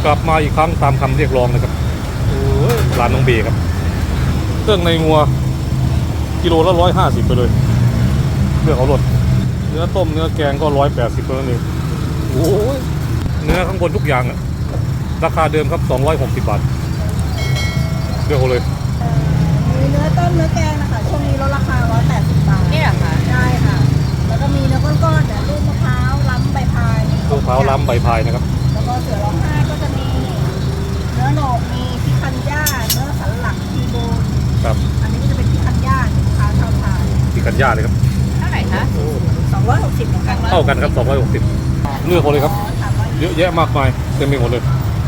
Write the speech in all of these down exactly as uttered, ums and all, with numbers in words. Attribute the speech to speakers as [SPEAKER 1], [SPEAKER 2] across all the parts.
[SPEAKER 1] กลับมาอีกครั้งตามคำเรียกร้องนะครับโอ้ยร้านน้องเบครับเครื่องในงัวกิโลละร้อยห้าสิบไปเลยเลือกเอารสเนื้อต้มเนื้อแกงก็ร้อยแปดสิบเท่านั้นเองโอ้ยเนื้อข้างบนทุกอย่างอะราคาเดิมครับสองร้อยหกสิบบาทเลือกเอาเลย
[SPEAKER 2] มีเนื้อต้มเนื้อแกงนะคะช่วงนี้ลดราคาร้อยแปดสิบบาท
[SPEAKER 3] นี่เหรอคะ
[SPEAKER 2] ได้ค่ะแล้วก็มีเนื้อก้อนๆแต่ลูกมะพร้าวล้ำใบพาย
[SPEAKER 1] ลูกมะพร้าวล้ำใบพายนะครับ
[SPEAKER 2] แล้วก็เสือร้องไห้ก็จะมีเนื้อโหนกมีพิคันย่าเนื้อสันหลังทีโบน
[SPEAKER 1] ครับ
[SPEAKER 2] อันนี้ก็จะเป็นพิคันย่าลูกค้าชอบทาน
[SPEAKER 1] พิคันย่าเลยครับ
[SPEAKER 3] เท่าไหร่คะ
[SPEAKER 2] สองร้อยหกสิบเหมือนกัน
[SPEAKER 1] เท่ากันครับสองร้อยหกสิบเลือกเอาเลยครับเยอะแยะมากมายเต็มไปหมดเลย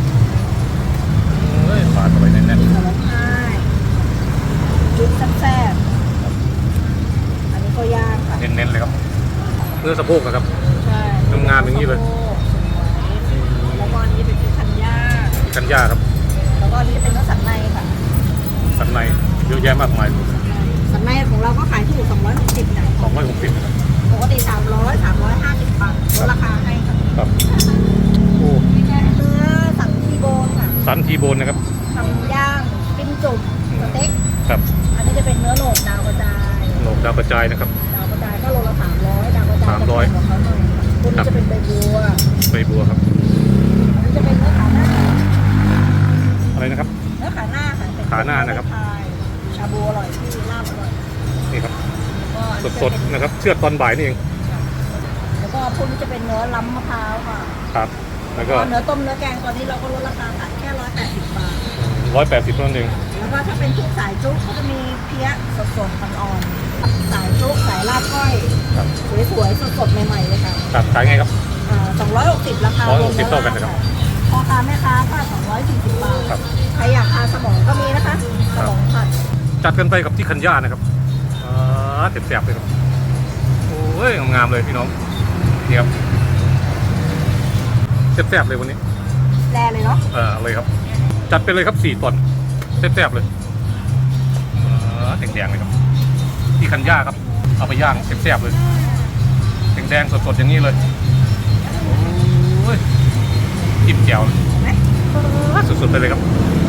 [SPEAKER 1] เฮ้ยปาดเข้าไปแน่นๆ
[SPEAKER 2] เสือร้องไห้จุดแซ่บๆอันนี้ก็ย่างค่ะ
[SPEAKER 1] เน้นๆเลยครับเนื้อสะโพกนะครับ
[SPEAKER 2] ใช่
[SPEAKER 1] งามๆอย่างนี้เลย
[SPEAKER 2] แล้วก็อันนี้เป็นพิคันย่า
[SPEAKER 1] พิคันย่าครับ
[SPEAKER 2] แล้วก็อันนี้เป็นเนื้อสันในค่ะ
[SPEAKER 1] สันในเยอะแยะมากมาย
[SPEAKER 2] สันในของเราก็ขายที่อยู่สองร้อยหกสิบนะ
[SPEAKER 1] สองร้อยหกสิบนะครับ
[SPEAKER 2] ปกติสามร้อยสามร้อยห้าสิบบาทลดราคาให้ค่ะ
[SPEAKER 1] ครับโอ้
[SPEAKER 2] เนื้อสันทีโบนค่ะ
[SPEAKER 1] สันทีโบนนะครับ
[SPEAKER 2] ทำย่างปิ้งจุ่มสเต็ก
[SPEAKER 1] ครับ
[SPEAKER 2] อันนี้จะเป็นเนื้อโหนกดาวกระจาย
[SPEAKER 1] โหนกดาวกระจายนะครับ
[SPEAKER 2] ดาวกระจายก็โลละสามร้อยดาวกระจาย
[SPEAKER 1] สามร้อย
[SPEAKER 2] ของเขาหน่อยตัวนี้จะเป็นใบบัว
[SPEAKER 1] ใบบัวครับ
[SPEAKER 2] อันนี้จะเป็นเนื้อขาหน้า
[SPEAKER 1] อะไรนะครับ
[SPEAKER 2] เนื้อขาหน้าค่ะ
[SPEAKER 1] ขาหน้านะครับ
[SPEAKER 2] ชาบูอร่อยที่ลาบอร่อย
[SPEAKER 1] นี่ครับสดๆนะครับเชือดตอนบ่ายนี่เอง
[SPEAKER 2] แล้วก็พวกนี้จะเป็นเนื้อล้ำมะพร้าวค่ะ
[SPEAKER 1] ครับแล้วก็
[SPEAKER 2] เนื้อต้มเนื้อแกงตอนนี้เราก็ลดราคาขายแค่ร้อยแปดสิบบาท
[SPEAKER 1] ร้อยแปดสิบเท่านั้นเอง
[SPEAKER 2] แล้วก็ถ้าเป็นทุกสายจุ๊กก็จะมีเพี้ยสดๆอ่อนๆสายจุ๊กสายลาบก้อยสวยๆสดๆใหม่ๆเลยค่ะ
[SPEAKER 1] ครับขายไงครับ
[SPEAKER 2] สองร้อยหกสิบราคา
[SPEAKER 1] ร้อยหกสิบเท่ากันนะครับ
[SPEAKER 2] พ่อค้าแม่ค้าก็สองร้อยสี่สิบบาทใครอยากทานสมองก็มีนะคะสมองผัด
[SPEAKER 1] จัดกันไปกับที่คันย่านะครับอ่าเต็มๆเลยครับโอ้ยงามๆเลยพี่น้องนี่ครับแซ่บๆเลยวันนี้
[SPEAKER 2] แร่เลยเนาะ
[SPEAKER 1] เออเลยครับจัดไปเลยครับสี่ตอนแซ่บๆเลยแดงๆเลยครับที่คันย่าครับเอาไปย่างแซ่บๆเลยแดงๆสดๆอย่างนี้เลยโอ้ยจิ้มแจ่วสุดๆไปเลยครับ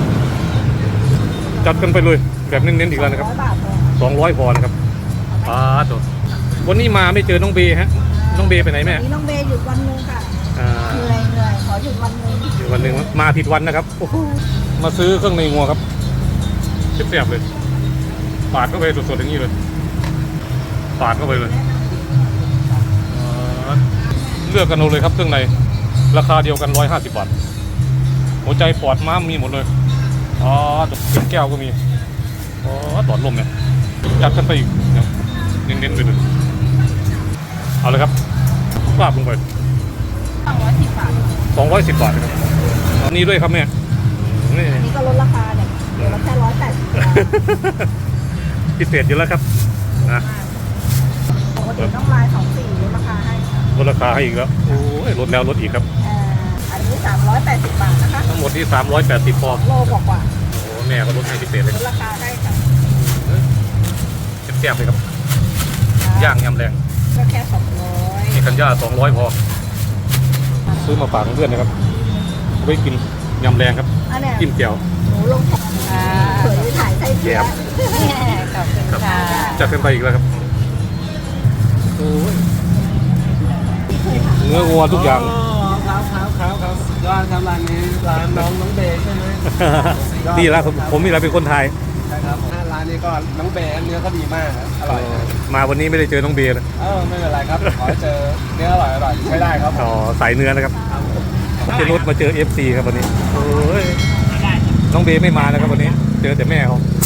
[SPEAKER 1] จัดกันไปเลยแบบเน้นๆอีกแล้วนะครับสองร้อยพอนะครับป้าตัววันนี้มาไม่เจอน้องเบฮะน้องเบไปไหนแม่
[SPEAKER 2] น้องเบหยุดวันนึงค่ะเหนื่อยเหนื่อยขอหยุดวันนึง
[SPEAKER 1] หยุดวันนึงมาผิดวันนะครับมาซื้อเครื่องในงัวครับแซ่บๆเลยปาดเข้าไปสดๆอย่างนี้เลยปาดเข้าไปเลยเลือกกันเอาเลยครับเครื่องในราคาเดียวกันร้อยห้าสิบบาทหัวใจปอดม้ามมีหมดเลยอ๋อเป็นแก้วก็มีอ๋อตอดลมเนี่ยจัดกันไปอีกเน้นๆไปเลยเอาเลยครับปาบลงไป
[SPEAKER 2] สองร้อยสิบบาท
[SPEAKER 1] สองร้อยสิบบาทครับนี่ด้วยครับแม่
[SPEAKER 2] นี่อันนี้ก็ลดราคาเนี่ยเดี๋ยวเราแค่ร้อยแปดสิบ
[SPEAKER 1] พิเศษอยู่แล้วครับนะ
[SPEAKER 2] ปกติต้องลายสองสี่ลดราคาให้
[SPEAKER 1] ลดราคาให้อีกแล้วโอ้ยลดแล้วลดอีกครับ
[SPEAKER 2] อันนี้สามร้อยแปดสิบบาทนะคะ
[SPEAKER 1] ทั้งหมดที่สามร้อยแปดสิบพอ
[SPEAKER 2] โลกว่า
[SPEAKER 1] โอ้แม่ก็ลดให้พิเศษเลย
[SPEAKER 2] ลดราคาให้ค่ะ
[SPEAKER 1] แซ่บๆเลยครับย่างยำแรง
[SPEAKER 2] ก็แค่สองร้อย
[SPEAKER 1] นี่คันย่าสองร้อยพอซื้อมาฝากเพื่อนนะครับไว้กินยำแรงครับจิ้มแจ่ว
[SPEAKER 2] หนูลงของสวยถ่ายใส่เสื้อ
[SPEAKER 3] ขอบคุณค่ะ
[SPEAKER 1] จัดกันไปอีกแล้วครับโอ้ยเนื้อวัวทุกอย่าง
[SPEAKER 4] ครับครับครับครับยอดครับร้านนี้ร้านน้องน้องเบย์ใช่ไหม
[SPEAKER 1] นี่แหละผมนี่แหละเป็นคนไทย
[SPEAKER 4] ใช่ครับร้านนี้ก็น้องเบย์เนื้อก็ดีมากอร่อย
[SPEAKER 1] มาวันนี้ไม่ได้เจอน้องเบย์เลย
[SPEAKER 4] เออไม่เป็นไรครับขอเจอเนื้ออร่อยอร่อยใช้ได้ครับ
[SPEAKER 1] อ๋อสายเนื้อนะครับเจนุชมาเจอ เอฟ ซี ครับวันนี้โอ้ยน้องเบย์ไม่มาแล้วครับวันนี้เจอแต่แม่เขา